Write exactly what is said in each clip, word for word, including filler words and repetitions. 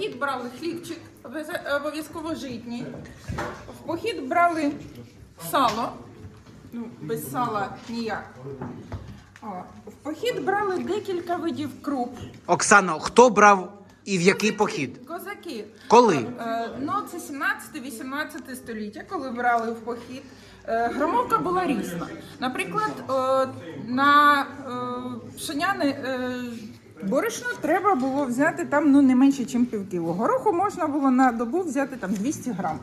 похід брали хлібчик, обов'язково житній. В похід брали сало, ну, без сала ніяк. О, в похід брали декілька видів круп. Оксано, хто брав і в який похід? Козаки. Коли? Е, ну, це сімнадцяте-вісімнадцяте століття, коли брали в похід. Е, громовка була різна. Наприклад, е, на е, пшеняне е, борошно треба було взяти там, ну, не менше, ніж пів кіло. Гороху можна було на добу взяти там двісті грам.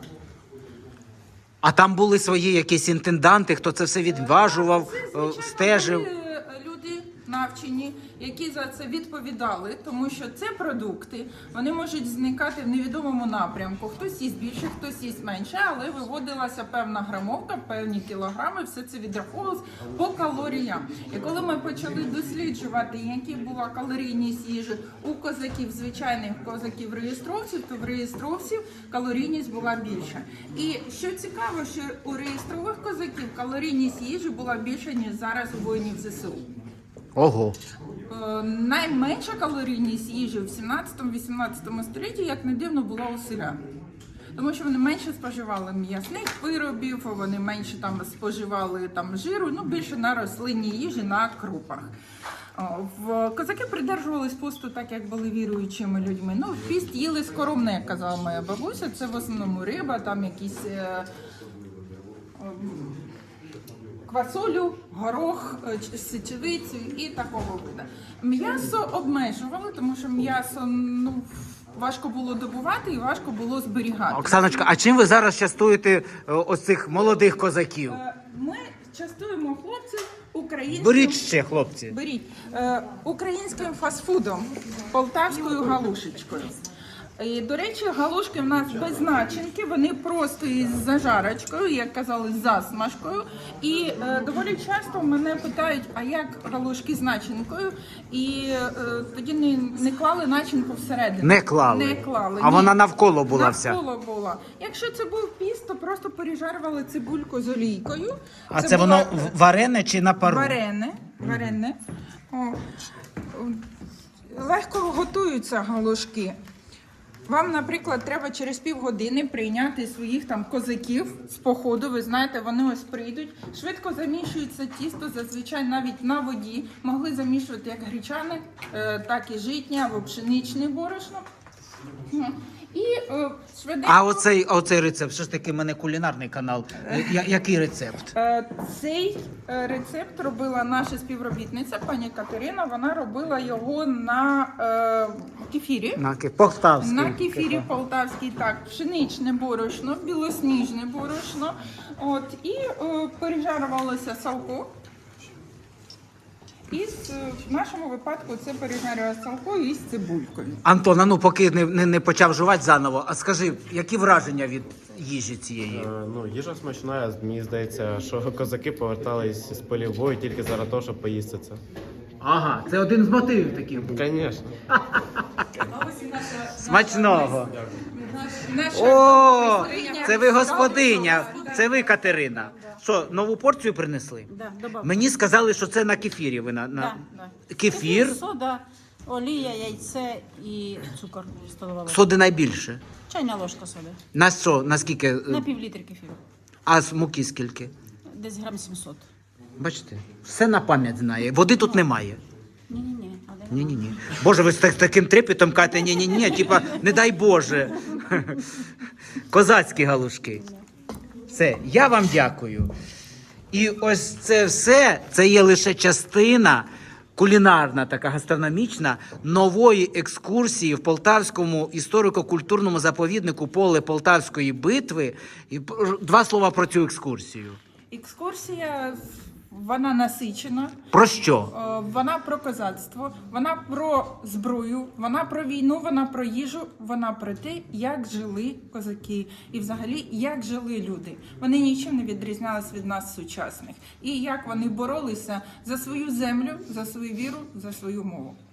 А там були свої якісь інтенданти, хто це все відважував, Це, е, звичайно, стежив? були люди навчені, які за це відповідали, тому що це продукти, вони можуть зникати в невідомому напрямку. Хтось їсть більше, хтось їсть менше, але виводилася певна грамовка, певні кілограми, все це відраховувалось по калоріям. І коли ми почали досліджувати, які була калорійність їжі у козаків, звичайних козаків-реєстровців, то в реєстровців калорійність була більша. І що цікаво, що у реєстрових козаків калорійність їжі була більша, ніж зараз у воїнів ЗСУ. Ого. Е, найменша калорійність їжі в сімнадцятому-вісімнадцятому столітті, як не дивно, була у селян. Тому що вони менше споживали м'ясних виробів, вони менше там споживали там жиру, ну більше на рослинній їжі, на крупах. О, в козаки придержувались посту так, як були віруючими людьми. Ну, в піст їли скоромне, як казала моя бабуся, це в основному риба, там якісь е, е, квасолю, горох, сечевицю і такого виду. М'ясо обмежували, тому що м'ясо, ну, важко було добувати і важко було зберігати. Оксаночка, а чим ви зараз частуєте е, ось цих молодих козаків? Е, Ми частуємо хлопців українським... Беріть ще, хлопці. Беріть. Е, українським фастфудом, полтавською галушечкою. І, до речі, галушки в нас без начинки, вони просто із зажарочкою, як казали, з засмажкою. І е, доволі часто мене питають, а як галушки з начинкою? І е, тоді не, не клали начинку всередину. Не клали? Не клали. А ні. вона навколо була вся? Навколо була. Якщо це був піст, то просто пережарювали цибульку з олійкою. А це, це воно була... варене чи на пару? Варене. Варене. О. Легко готуються галушки. Вам, наприклад, треба через півгодини прийняти своїх там козаків з походу. Ви знаєте, вони ось прийдуть. Швидко замішується тісто, зазвичай навіть на воді. Могли замішувати як гречане, так і житнє або пшеничне борошно. І е, швиденько... А оцей, оцей рецепт, що ж таки, в мене кулінарний канал. Я, який рецепт? Е, цей е, рецепт робила наша співробітниця, пані Катерина. Вона робила його на е, кефірі. На ке- полтавський. На кефірі полтавський, так, пшеничне борошно, білосніжне борошно. От, і е, пережарувалося салко. І в нашому випадку це пережарює салко із цибулькою. Антон, а ну поки не, не, не почав жувати заново, а скажи, які враження від їжі цієї? Е, Ну, їжа смачна. Мені здається, що козаки повертались з полів бою тільки заради того, щоб поїсти це. Ага, це один з мотивів таких був. Звісно. Смачного. Наша О, майстриня. це ви господиня, це ви Катерина. Що, нову порцію принесли? Да, добавка. Мені сказали, що це на кефірі ви на, на... Да, да. Кефір, Сода, олія, яйце і цукор столова ложка. соди найбільше. Чайна ложка соди. На що, наскільки? На пів літри кефіру. А з муки скільки? Десь грам сімсот. Бачите, все на пам'ять знає. Води тут немає. Ні-ні-ні. а де Ні, ні, ні. Боже, ви з так- таким трепетом кажете, ні, ні, ні, типа, не дай Боже. Козацькі галушки. Все, я вам дякую. І ось це все, це є лише частина кулінарна, така гастрономічна, нової екскурсії в Полтавському історико-культурному заповіднику поле Полтавської битви. І два слова про цю екскурсію. Екскурсія, вона насичена. Про що? Е, Вона про козацтво, вона про зброю, вона про війну, вона про їжу, вона про те, як жили козаки і взагалі як жили люди. Вони нічим не відрізнялись від нас сучасних. І як вони боролися за свою землю, за свою віру, за свою мову.